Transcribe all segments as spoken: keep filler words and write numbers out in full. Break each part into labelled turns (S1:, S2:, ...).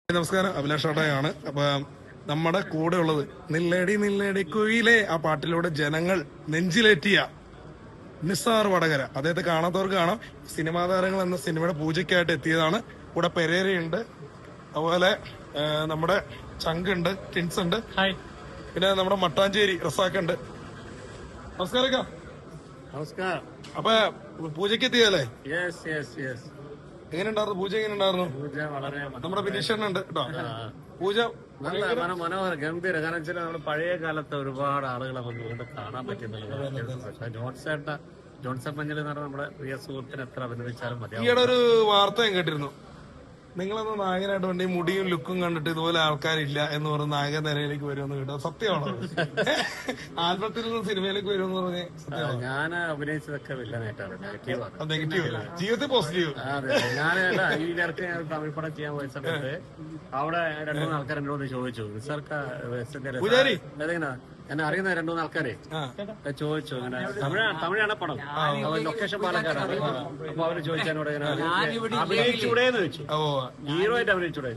S1: നമസ്കാരം, അഭിലാഷ് ഷോട്ടയാണ്. അപ്പൊ നമ്മുടെ കൂടെ ഉള്ളത് നില്ലടി നില്ലടി കുയിലെ ആ പാട്ടിലൂടെ ജനങ്ങൾ നെഞ്ചിലേറ്റിയ നിസാർ വടകര. അദ്ദേഹത്തെ കാണാത്തവർക്ക് കാണാം. സിനിമാ താരങ്ങൾ എന്ന സിനിമയുടെ പൂജയ്ക്കായിട്ട് എത്തിയതാണ്. കൂടെ പെരേരയുണ്ട്, അതുപോലെ നമ്മുടെ ചങ്കുണ്ട്, ടിൻസ് ഉണ്ട്, പിന്നെ നമ്മുടെ മട്ടാഞ്ചേരി റസാഖുണ്ട്. നമസ്കാരം.
S2: നമസ്കാരം.
S1: അപ്പൊ പൂജയ്ക്ക് എത്തിയല്ലേ?
S2: Yes yes yes.
S1: എങ്ങനെ ഉണ്ടായിരുന്നു പൂജ? എങ്ങനെ ഉണ്ടായിരുന്നു?
S2: പൂജ വളരെ
S1: നമ്മുടെ വിനീഷേട്ടനുണ്ട് കേട്ടോ. പൂജ
S2: നല്ല മനോഹര ഗംഭീര. കാരണം വെച്ചാൽ നമ്മുടെ പഴയ കാലത്തെ ഒരുപാട് ആളുകളെ നമുക്ക് ഇവിടെ കാണാൻ പറ്റുന്നുണ്ട്. ജോൺസേട്ട ജോൺസൺ മഞ്ഞൾ എന്ന് പറഞ്ഞാൽ നമ്മുടെ പ്രിയ സുഹൃത്തിന് എത്ര അഭിനന്ദിച്ചാലും മതി.
S1: ഈയിടെ ഒരു വാർത്ത ഞാൻ കേട്ടിരുന്നു, നിങ്ങളൊന്ന് നായകനായിട്ട് വേണ്ടി മുടിയും ലുക്കും കണ്ടിട്ട് ഇതുപോലെ ആൾക്കാരില്ല എന്ന് പറഞ്ഞ് നായകൻ നിരയിലേക്ക് വരുമെന്ന് കേട്ടോ. സത്യമാണോ? ആൽബത്തിൽ നിന്ന് സിനിമയിലേക്ക് വരുമെന്ന് പറഞ്ഞ് സത്യമാണോ?
S2: ഞാൻ അഭിനയിച്ചതൊക്കെ വില്ലനായിട്ടാണ്, നെഗറ്റീവാണ്.
S1: നെഗറ്റീവ് അല്ല, ജീവിതത്തിൽ പോസിറ്റീവ്.
S2: അതെ, ഞാൻ ഈ നേരത്തെ ഞാൻ തമിഴ് പടം ചെയ്യാൻ പോയ സമയത്ത് അവിടെ രണ്ടു മൂന്ന് ആൾക്കാർ എന്നോട് ചോദിച്ചു,
S1: പൂജാരി
S2: അതെങ്ങനെ എന്നെ അറിയുന്ന രണ്ടു മൂന്ന് ആൾക്കാരെ ചോദിച്ചു, അങ്ങനെ തമിഴ് തമിഴാണ് പടം, ലൊക്കേഷൻ പാലക്കാരാണ്. അപ്പൊ അവര് ചോദിച്ചതിനോട് അഭിനയിച്ചൂടെന്ന് ചോദിച്ചു, ഹീറോ ആയിട്ട് അഭിനയിച്ചൂടെ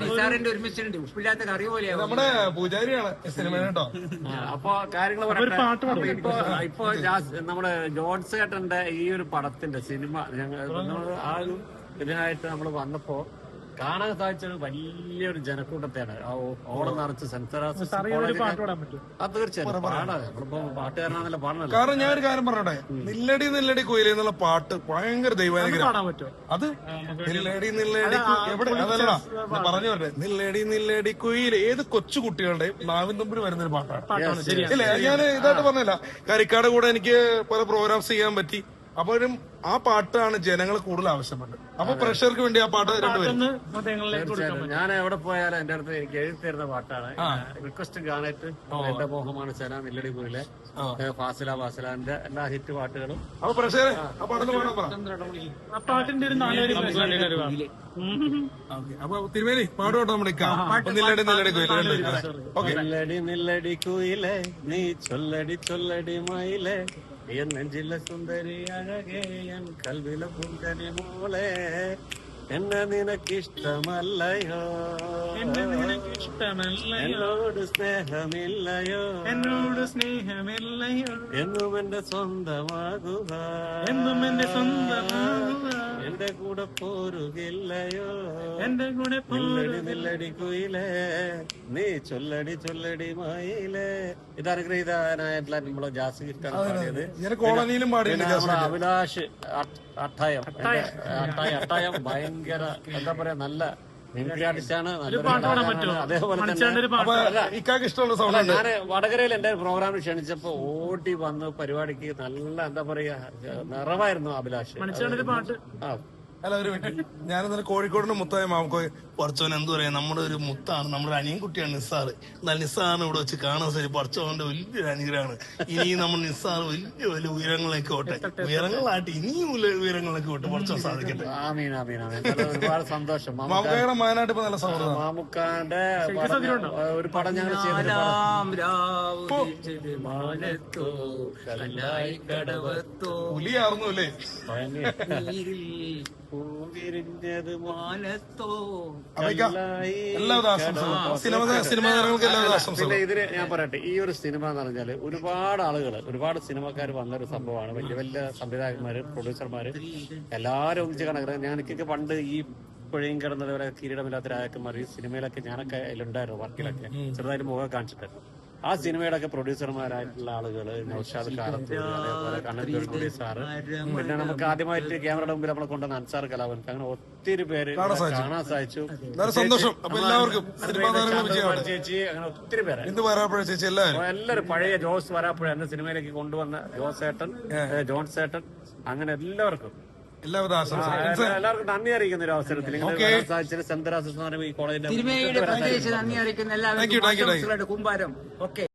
S1: നമ്മുടെ പൂജാരിയാണ് സിനിമ കേട്ടോ.
S2: അപ്പൊ കാര്യങ്ങൾ പറയട്ടെ. ഇപ്പൊ ഇപ്പൊ നമ്മുടെ ജോൺസ് ചേട്ടന്റെ ഈ ഒരു പടത്തിന്റെ സിനിമ ഞങ്ങൾ ആ ഒരു ഇതിനായിട്ട് നമ്മൾ വന്നപ്പോ കാണാൻ സാധിച്ചൊരു വലിയൊരു ജനക്കൂട്ടത്തെയാണ്. ഓളം നിറച്ച് സെൻസറാസ് തീർച്ചയായും പാടാ. നമ്മളിപ്പോ പാട്ടുകാരനാണല്ലോ പാടുന്നത്.
S1: കാരണം ഞാൻ ഒരു കാര്യം പറഞ്ഞോട്ടെ, നില്ലടി നില്ലടി കുയിലേ എന്നുള്ള പാട്ട് ഭയങ്കര ദൈവാനുഗ്രഹം. അത് നില്ലടി നില്ലടി എവിടെ അതല്ലടാ പറഞ്ഞു പറഞ്ഞെ, നില്ലടി നില്ലടി കുയിലെ ഏത് കൊച്ചു കുട്ടികളുടെയും നാവിൻ തുമ്പിൽ വരുന്നൊരു പാട്ടാണ്. ഇല്ലേ, ഞാൻ ഇതായിട്ട് പറഞ്ഞില്ല. കരിക്കാട് കൂടെ എനിക്ക് പല പ്രോഗ്രാംസ് ചെയ്യാൻ പറ്റി. അപ്പോഴും ആ പാട്ടാണ് ജനങ്ങൾ കൂടുതൽ ആവശ്യപ്പെട്ടത്. അപ്പൊ പ്രഷർക്ക് വേണ്ടി ആ പാട്ട് രണ്ടുപേരും
S2: ഞാൻ എവിടെ പോയാലും എന്റെ അടുത്ത് എനിക്ക് എഴുതി തരുന്ന പാട്ടാണ്. റിക്വസ്റ്റ് ഗാനറ്റ് എന്റെ മോഹമാണ് സേന, നില്ലടി കുയിലെ, ഫാസില ഫാസിലാന്റെ എല്ലാ ഹിറ്റ് പാട്ടുകളും.
S1: അപ്പൊ പ്രഷർ ആ പാട്ടിന് പാടാൻ പറ. അപ്പൊ തിരുമേനി പാടുകോട്ടെ നമ്മുടെ നില്ലടി നില്ലടി കുയിലെ.
S2: നില്ലടി നില്ലടി കുയിലെ നീ ചൊല്ലടി ചൊല്ലടി മയിലെ, എൻ നെഞ്ചിലെ സുന്ദരി അഴകേ എൻ കൽവിലെ പുന്തരി മോളെ, എന്നെ നിനക്കിഷ്ടമല്ലയോ, എന്നോട് സ്നേഹമില്ലയോ, എന്നോട് സ്നേഹമില്ലയോ, എന്നും എന്റെ സ്വന്തമാകുക, എന്നും എന്റെ സ്വന്തമാകുക, എന്റെ കൂടെ പോരുകില്ലയോ, എന്റെ കൂടെ നില്ലടി നില്ലടി കുയിലേ നീ ചൊല്ലടി ചൊല്ലടി മയിലേ. ഇതനുഗ്രഹീതനായിട്ടുള്ള നമ്മളെ ജാസ് ഗിഫ്റ്റാണ് പാടിയത്. നമ്മുടെ അഭിലാഷ് അട്ടായം അട്ടായം അട്ടായം ഭയങ്കര എന്താ പറയാ നല്ല മിമിക്രിയാർട്ടിസ്റ്റാണ്. അതേപോലെ തന്നെ ഞാന് വടകരയിൽ എന്റെ പ്രോഗ്രാമിൽ ക്ഷണിച്ചപ്പോ ഓടി വന്ന് പരിപാടിക്ക് നല്ല എന്താ പറയാ നിറവായിരുന്നു അഭിലാഷ്. ആ
S1: അല്ല ഒരു മിനിറ്റ്, ഞാനിന്നലെ കോഴിക്കോടിന്റെ മുത്തായ മാമക്കോയ് പറച്ചോൻ എന്ത് പറയാ, നമ്മുടെ ഒരു മുത്താണ്, നമ്മുടെ അനിയൻ കുട്ടിയാണ് നിസ്സാറ്. എന്നാൽ നിസ്സാറിനെ ഇവിടെ വെച്ച് കാണാൻ ശരി പറച്ചോന്റെ വലിയൊരു അനുഗ്രഹമാണ്. ഇനിയും നമ്മൾ നിസ്സാർ വലിയ വലിയ ഉയരങ്ങളിലേക്ക് ഓട്ടെ, ഉയരങ്ങളായിട്ട് ഇനിയും ഉയരങ്ങളിലേക്ക് ഓട്ടെ, പറച്ചോൻ സാധിക്കട്ടെ.
S2: ഒരുപാട് സന്തോഷം.
S1: മാമുക്കായുടെ മാനായിട്ട് ഇപ്പൊ നല്ല സൗഹൃദം.
S2: മാമുക്കാന്റെ ഒരു പടം ഞങ്ങൾ ചെയ്തിട്ടുണ്ട്.
S1: പുലിയായിരുന്നു അല്ലേ?
S2: പിന്നെ ഇതിന് ഞാൻ പറയട്ടെ, ഈ ഒരു സിനിമ എന്ന് പറഞ്ഞാല് ഒരുപാട് ആളുകൾ ഒരുപാട് സിനിമക്കാർ വന്നൊരു സംഭവമാണ്. വലിയ വലിയ സംവിധായകന്മാര്, പ്രൊഡ്യൂസർമാര് എല്ലാരും ഒന്നിച്ച് കണക്കുന്നത്. ഞാൻ എനിക്കൊക്കെ പണ്ട് ഈ പുഴയും കിടന്നത് പോലെ കിരീടമില്ലാത്ത രാജാക്കന്മാർ ഈ സിനിമയിലൊക്കെ ഞാനൊക്കെ അതിലുണ്ടായിരുന്നു, വർക്കിലൊക്കെ ചെറുതായിട്ട് മുഖം കാണിച്ചിട്ടായിരുന്നു. ആ സിനിമയുടെ ഒക്കെ പ്രൊഡ്യൂസർമാരായിട്ടുള്ള ആളുകള് നൗഷാദ് കാലത്ത്, അതേപോലെ കണ്ണൂർ പ്രൊഡ്യൂസർ, പിന്നെ നമുക്ക് ആദ്യമായിട്ട് ക്യാമറയുടെ മുമ്പിൽ നമ്മളെ കൊണ്ടുവന്ന അൻസാർ കലാവൻ, അങ്ങനെ ഒത്തിരി പേര് കാണാൻ സാധിച്ചു. ചേച്ചി, അങ്ങനെ ഒത്തിരി പേര് എല്ലാവരും പഴയ ജോസ് വരാപ്പുഴ എന്ന സിനിമയിലേക്ക് കൊണ്ടുവന്ന ജോസ് ഏട്ടൻ, ജോൺസ് ഏട്ടൻ, അങ്ങനെ എല്ലാവർക്കും എല്ലാവർക്കും നന്ദി അറിയിക്കുന്ന ഒരു അവസരത്തിൽ സാധിച്ചത് സെന്തറാസ് ഈ കോളേജിന്റെ
S3: നന്ദി അറിയിക്കുന്ന എല്ലാവർക്കും കുമ്പാരം. ഓക്കെ.